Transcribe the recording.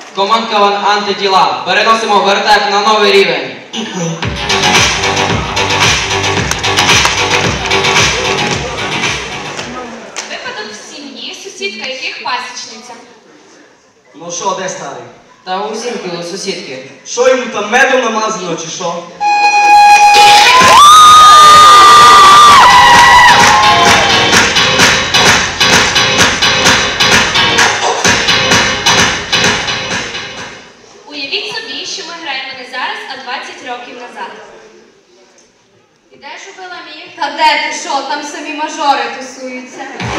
Команд КВН «Антитіла». Переносимо вертеп на новий рівень. Випадок в сім'ї, сусідка яких пасічниця. Ну що, де старий? Та у Зінки, у сусідки. Що йому там медом намазано чи що? Уявіть собі, що ми граємо не зараз, а 20 років назад. І де ж убила міг? Та де ти що? Там самі мажори тусуються.